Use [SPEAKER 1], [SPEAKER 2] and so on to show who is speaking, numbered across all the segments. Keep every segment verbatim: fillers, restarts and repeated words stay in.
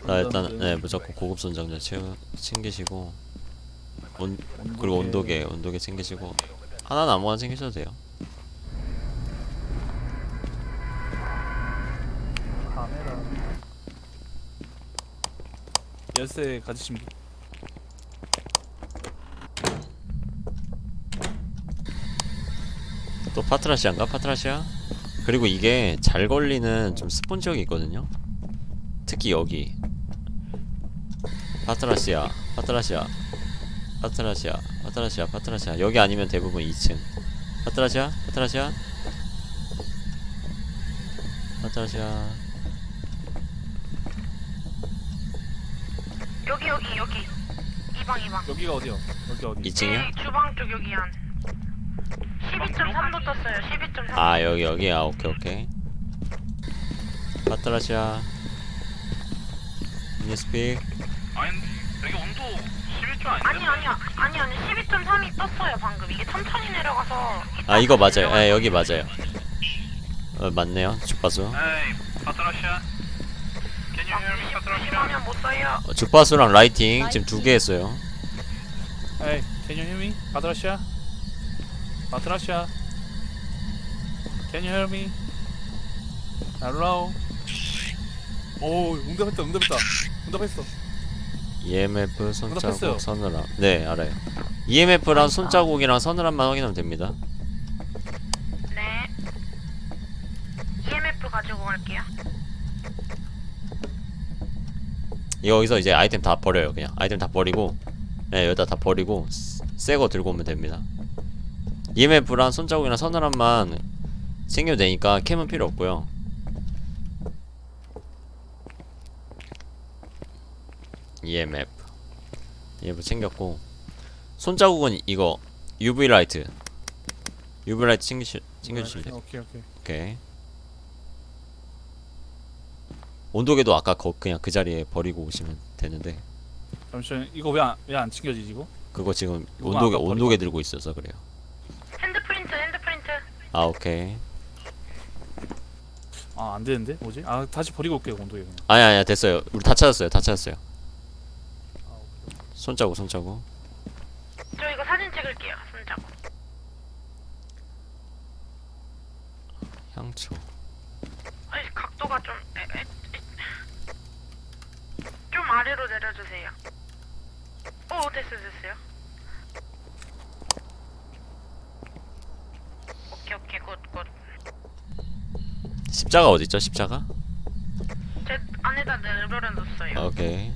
[SPEAKER 1] 나 일단 네 무조건 고급 손장전 채우 챙기시고 온 그리고 온도계 온도계 챙기시고 하나는 아무거나 챙기셔도 돼요.
[SPEAKER 2] 카메라. 열쇠 가지신 분.
[SPEAKER 1] 또 파트라시아인가? 파트라시아? 그리고 이게 잘 걸리는 좀 스폰 지역이 있거든요. 특히 여기 파트라시아 파트라시아 파트라시아 파트라시아 파트라시아 여기 아니면 대부분 이 층 파트라시아 파트라시아 파트라시아
[SPEAKER 3] 여기 여기 여기 이방 이방
[SPEAKER 2] 여기가 어디요? 여기 어디?
[SPEAKER 1] 이 층이요?
[SPEAKER 3] 네, 주방 쪽 여기 한 십이 점 삼도 떴어요. 십이 점 삼.
[SPEAKER 1] 아 여기 여기 아 오케이 오케이 파트라시아 미스픽
[SPEAKER 4] 아니 여기 온도 십일 점 아닌데?
[SPEAKER 3] 아니 아니야 아니 아니 십이 점 삼이 떴어요 방금. 이게 천천히 내려가서
[SPEAKER 1] 아 이거 맞아요 예 여기 맞아요 어 맞네요 주파수
[SPEAKER 4] 에이 파트라시아 Can you hear me 파트라시아?
[SPEAKER 3] 심하면 못 써요.
[SPEAKER 1] 어, 주파수랑 라이팅 지금 두 개 했어요
[SPEAKER 2] Hey, can you hear me? 바트라시아? 바트라시아? Can you hear me? Hello? 오, 응답했다, 응답했다. 응답했어.
[SPEAKER 1] 이엠에프 손자국
[SPEAKER 2] 응답했어요.
[SPEAKER 1] 서늘함 네 알아요 이엠에프랑 손자국이랑 서늘함만 확인하면 됩니다
[SPEAKER 3] 네. 이엠에프 가지고 갈게요.
[SPEAKER 1] 여기서 이제 아이템 다 버려요 그냥 아이템 다 버리고 네 여기다 다 버리고 새 거 들고 오면 됩니다 이엠에프랑 손자국이랑 서늘함만 챙겨도 되니까 캠은 필요 없고요 이엠에프 이엠에프 챙겼고 손자국은 이거 유브이 라이트 유브이 라이트 챙기시, 챙겨주시면 돼요
[SPEAKER 2] 오케이, 오케이.
[SPEAKER 1] 오케이 온도계도 아까 거 그냥 그 자리에 버리고 오시면 되는데
[SPEAKER 2] 잠시만, 이거 왜 안, 왜 안 챙겨지지, 이거?
[SPEAKER 1] 그거 지금
[SPEAKER 2] 누가
[SPEAKER 1] 온도계
[SPEAKER 2] 아까
[SPEAKER 1] 온도계
[SPEAKER 2] 버리고-
[SPEAKER 1] 들고 있어서 그래요
[SPEAKER 3] 핸드프린트 핸드프린트.
[SPEAKER 1] 아 오케이
[SPEAKER 2] 아, 안 되는데? 뭐지? 아, 다시 버리고 올게요, 온도에 그냥.
[SPEAKER 1] 아니 아니 됐어요 우리 다 찾았어요 다 찾았어요
[SPEAKER 2] 아, 오케이.
[SPEAKER 1] 손자국 손자국
[SPEAKER 3] 저 이거 사진 찍을게요. 손잡고.
[SPEAKER 1] 향초
[SPEAKER 3] 아니 각도가 좀 에, 에, 에. 좀 아래로 내려주세요. 오 됐어 됐어요. 오케이 오케이 굿굿.
[SPEAKER 1] 십자가 어딨죠 십자가?
[SPEAKER 3] 제 안에다 내려놓았어요.
[SPEAKER 1] 오케이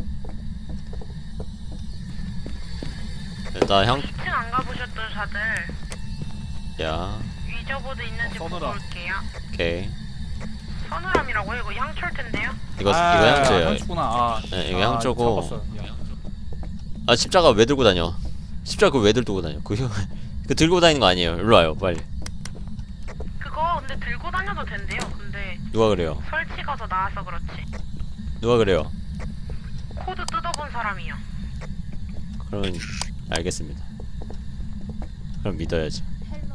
[SPEAKER 1] 일단 향
[SPEAKER 3] 이 층 안 가보셨던 자들
[SPEAKER 1] 야
[SPEAKER 3] 위저보드 있는지
[SPEAKER 2] 어,
[SPEAKER 3] 보고
[SPEAKER 2] 서늘함.
[SPEAKER 3] 올게요.
[SPEAKER 1] 오케이
[SPEAKER 3] 서늘함이라고요? 이거 향초일 텐데요?
[SPEAKER 1] 이거
[SPEAKER 2] 아,
[SPEAKER 1] 이거 향초예요
[SPEAKER 2] 향초구나. 아,
[SPEAKER 1] 네, 이거
[SPEAKER 2] 아,
[SPEAKER 1] 향초고.
[SPEAKER 2] 잡았어요. 야.
[SPEAKER 1] 아 십자가 왜 들고 다녀 십자가 그거 왜 들고 다녀 그, 그 들고 다니는 거 아니에요 일로 와요 빨리
[SPEAKER 3] 그거 근데 들고 다녀도 된대요. 근데
[SPEAKER 1] 누가 그래요
[SPEAKER 3] 설치가 더 나아서 그렇지.
[SPEAKER 1] 누가 그래요
[SPEAKER 3] 코드 뜯어본 사람이요.
[SPEAKER 1] 그러면 알겠습니다 그럼 믿어야지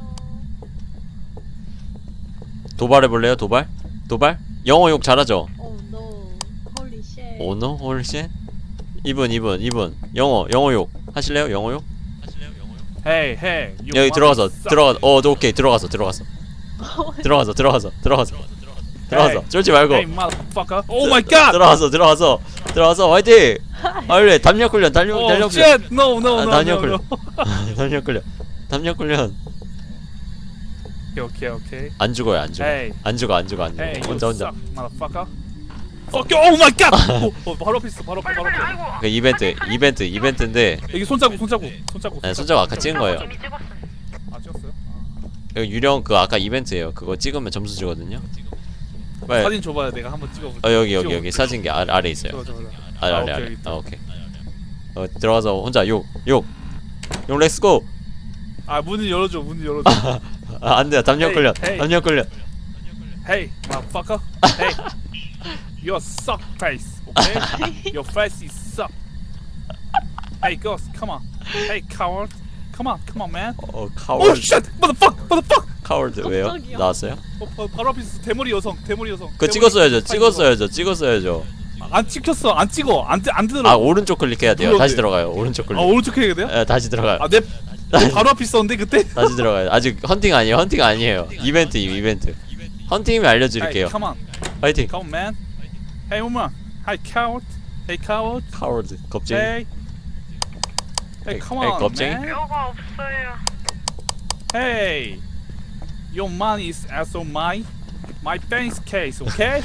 [SPEAKER 1] 도발해볼래요 도발? 도발? 영어 욕 잘하죠?
[SPEAKER 5] Oh no. Holy shit.
[SPEAKER 1] 오너? 홀씨? 이분 이분 이분 영어 영어 욕 하실래요 영어 욕?
[SPEAKER 2] Hey, hey. you
[SPEAKER 1] 여기 들어가서
[SPEAKER 2] motherfucker.
[SPEAKER 1] 들어가 어 오케이 들어가서 들어가서 들어가서 들어가서 들어가서 들어가서 쫄지 말고
[SPEAKER 2] Hey, motherfucker. Oh my god.
[SPEAKER 1] 들어가서 들어가서 들어가서 화이팅! 빨리 담력 훈련 달력
[SPEAKER 2] Oh
[SPEAKER 1] 달력 훈련
[SPEAKER 2] shit. No, no,
[SPEAKER 1] 아,
[SPEAKER 2] no,
[SPEAKER 1] 단역
[SPEAKER 2] no,
[SPEAKER 1] 훈련.
[SPEAKER 2] no.
[SPEAKER 1] 담력 훈련 담력 훈련
[SPEAKER 2] 오케이, 오케이, 오케이.
[SPEAKER 1] 안 죽어요 안 죽어
[SPEAKER 2] Hey.
[SPEAKER 1] 안 죽어 안 죽어 안 죽어
[SPEAKER 2] Hey,
[SPEAKER 1] 혼자
[SPEAKER 2] you
[SPEAKER 1] 혼자
[SPEAKER 2] suck, motherfucker. Fuck you. Oh my god. 어, 어, 바로 앞에 있어. 바로 앞에,
[SPEAKER 3] 빨리
[SPEAKER 2] 바로
[SPEAKER 3] 빨리
[SPEAKER 2] 앞에.
[SPEAKER 3] 아이고.
[SPEAKER 1] 그 이벤트 이벤트 이벤트인데
[SPEAKER 2] 여기 손자국, 손자국, 손자국.
[SPEAKER 1] 네, 손자국 아까 찍은 거예요
[SPEAKER 3] 이미 찍었어.
[SPEAKER 2] 아, 찍었어요?
[SPEAKER 1] 여기 유령 그 아까 이벤트예요 그거 찍으면 점수 주거든요 빨리
[SPEAKER 2] 사진 줘봐요. 내가 한번 찍어볼게.
[SPEAKER 1] 어 여기 여기 여기 사진기 아래, 아래 있어요
[SPEAKER 2] 찍어, 찍어, 찍어.
[SPEAKER 1] 아래
[SPEAKER 2] 아,
[SPEAKER 1] 아래
[SPEAKER 2] 오케이,
[SPEAKER 1] 아래
[SPEAKER 2] 여기 있다.
[SPEAKER 1] 아 오케이 어 들어가서 혼자 욕욕욕 렛츠고
[SPEAKER 2] 아, 문을 열어줘. 문을 열어줘.
[SPEAKER 1] 아 안돼요 담력
[SPEAKER 2] Hey,
[SPEAKER 1] 훈련
[SPEAKER 2] hey.
[SPEAKER 1] 담력 훈련
[SPEAKER 2] Hey, motherfucker. Hey. You suck face. Okay? Your face is suck. Hey, ghost, come on. Hey, coward. Come on, come on, man.
[SPEAKER 1] 어
[SPEAKER 2] Oh
[SPEAKER 1] 카월드
[SPEAKER 2] shit! Motherfuck! Motherfuck!
[SPEAKER 1] 카월드 왜요?
[SPEAKER 5] 깜짝이야.
[SPEAKER 1] 나왔어요?
[SPEAKER 2] 어, 바, 바로 앞에 있어. 대머리 여성. 대머리 여성.
[SPEAKER 1] 그거
[SPEAKER 2] 대머리
[SPEAKER 1] 찍었어야죠
[SPEAKER 2] 여성.
[SPEAKER 1] 찍었어야죠 찍었어야죠
[SPEAKER 2] 아, 안 찍혔어. 안 찍어. 안, 뜨- 안 뜨더라고.
[SPEAKER 1] 아 오른쪽 클릭해야 돼요.
[SPEAKER 2] 눌러도
[SPEAKER 1] 다시
[SPEAKER 2] 돼.
[SPEAKER 1] 들어가요. 오른쪽 클릭.
[SPEAKER 2] 아, 오른쪽 해야 돼요?
[SPEAKER 1] 예, 다시 들어가요.
[SPEAKER 2] 아, 내, 내 바로 앞에 있었는데, 그때?
[SPEAKER 1] 다시 들어가요. 아직 헌팅 아니에요. 헌팅 아니에요. 이벤트 이벤트. 헌팅이면 알려드릴게요.
[SPEAKER 2] Hey, come on.
[SPEAKER 1] 파이팅.
[SPEAKER 2] Come on, man. Hey, woman. Hi, coward. Hey, coward.
[SPEAKER 1] 카워드 겁쟁이.
[SPEAKER 2] Hey. Hey,
[SPEAKER 1] Hey,
[SPEAKER 2] come
[SPEAKER 1] hey,
[SPEAKER 2] on,
[SPEAKER 1] 겁쟁이.
[SPEAKER 2] man.
[SPEAKER 3] 뼈가 없어요.
[SPEAKER 2] Hey. Your money is also my my bank's case, okay?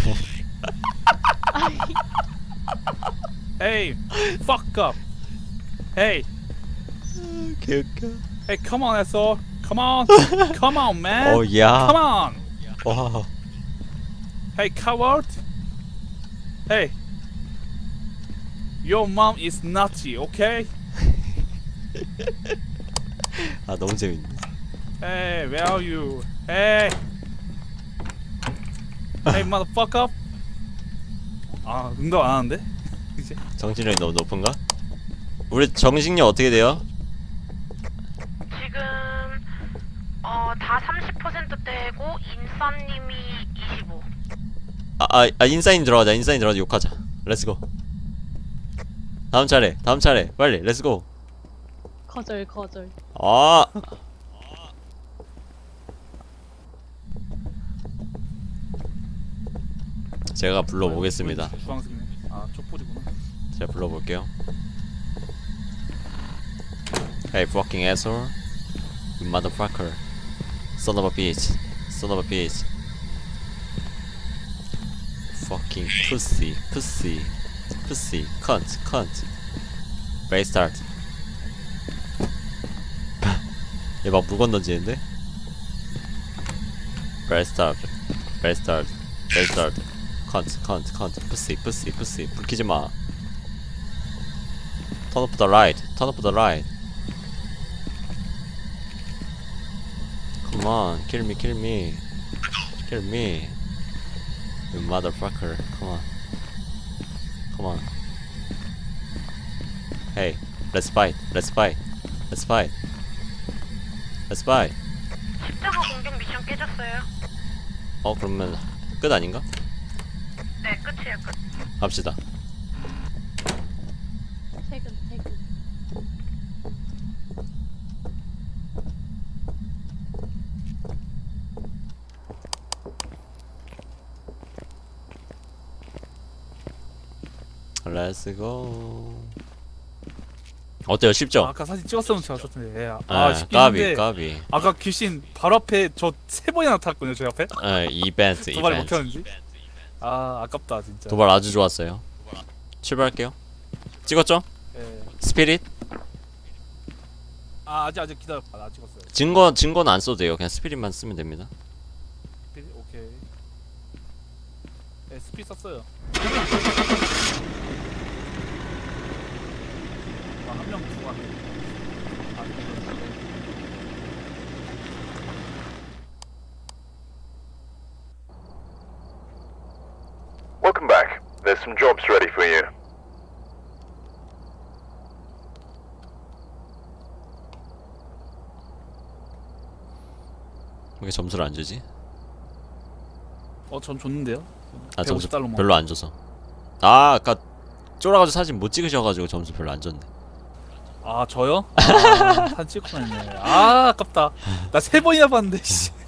[SPEAKER 2] Hey, fuck up. Hey,
[SPEAKER 1] 개웃겨.
[SPEAKER 2] hey, come on, asshole. Come on, come on, man.
[SPEAKER 1] 어 야.
[SPEAKER 2] Come on.
[SPEAKER 1] 와.
[SPEAKER 2] Hey, coward. Hey. Your mom is nutty, okay?
[SPEAKER 1] 아 너무 재밌네.
[SPEAKER 2] Hey, where are you? Hey. Hey, motherfucker. 아, 응답 안 하는데? 이제
[SPEAKER 1] 정신력이 너무 높은가? 우리 정신력 어떻게 돼요?
[SPEAKER 3] 지금 어 다 삼십 퍼센트대고 인싸님이 이십오.
[SPEAKER 1] 아, 아, 아 인사인 들어가자. 인사인 들어가자. 욕하자. 렛츠고. 다음 차례. 다음 차례. 빨리. 렛츠고.
[SPEAKER 5] 거절 거절.
[SPEAKER 1] 아. 제가 불러보겠습니다.
[SPEAKER 2] 주황색이네. 아, 촛불이구나.
[SPEAKER 1] 제가 불러볼게요. Hey fucking asshole. You motherfucker. Son of a bitch. Son of a bitch. Fucking pussy. Pussy. Pussy. Cunt. Cunt. Great start. 얘 막 물건 던지는데? Great start. Great start. Great start. Cunt. Cunt. Cunt. Pussy. Pussy. Pussy. 불 켜지 마. Turn off the light. Turn off the light. Come on, kill me, kill me, kill me, you motherfucker. Come on, come on. Hey, let's fight. Let's fight. Let's fight. Let's fight.
[SPEAKER 3] 십자가 공격 미션 깨졌어요.
[SPEAKER 1] 어 그러면 끝 아닌가?
[SPEAKER 3] 네, 끝이에요, 끝.
[SPEAKER 1] 갑시다.
[SPEAKER 5] 퇴근 퇴근.
[SPEAKER 1] Let's go. 어때요?
[SPEAKER 2] 아,
[SPEAKER 1] 쉽죠?
[SPEAKER 2] 아까 사진 찍었으면 좋았을 텐데. 예. 아,
[SPEAKER 1] 아,
[SPEAKER 2] 쉽긴
[SPEAKER 1] 까비,
[SPEAKER 2] 한데.
[SPEAKER 1] 까비.
[SPEAKER 2] 아까 귀신 바로 앞에 저 세 번이나 나타났거든요, 제 앞에.
[SPEAKER 1] 아, 이벤트,
[SPEAKER 2] 도발 못
[SPEAKER 1] 이벤트.
[SPEAKER 2] 켰는지. 아, 아깝다, 진짜.
[SPEAKER 1] 도발 아주 좋았어요. 출발할게요. 찍었죠?
[SPEAKER 2] 예.
[SPEAKER 1] 스피릿?
[SPEAKER 2] 아, 아직 아직 기다려. 아, 나 찍었어요.
[SPEAKER 1] 증거 증거는 안 써도 돼요. 그냥 스피릿만 쓰면 됩니다.
[SPEAKER 2] 스피- 오케이. 네, 스피 썼어요. 아, 한명 두고 왔네. 아, 이거.
[SPEAKER 6] Welcome back. There's some jobs ready for you.
[SPEAKER 1] 왜 점수를 안 주지?
[SPEAKER 2] 어, 전 줬는데요.
[SPEAKER 1] 아 점수
[SPEAKER 2] 백오십 달러만.
[SPEAKER 1] 별로 안 줘서. 아 아까 쫄아가지고 사진 못 찍으셔가지고 점수 별로 안 줬네.
[SPEAKER 2] 아, 저요? 아, 사진 찍고 다녔네. 아, 아깝다. 나 세 번이나 봤는데 씨.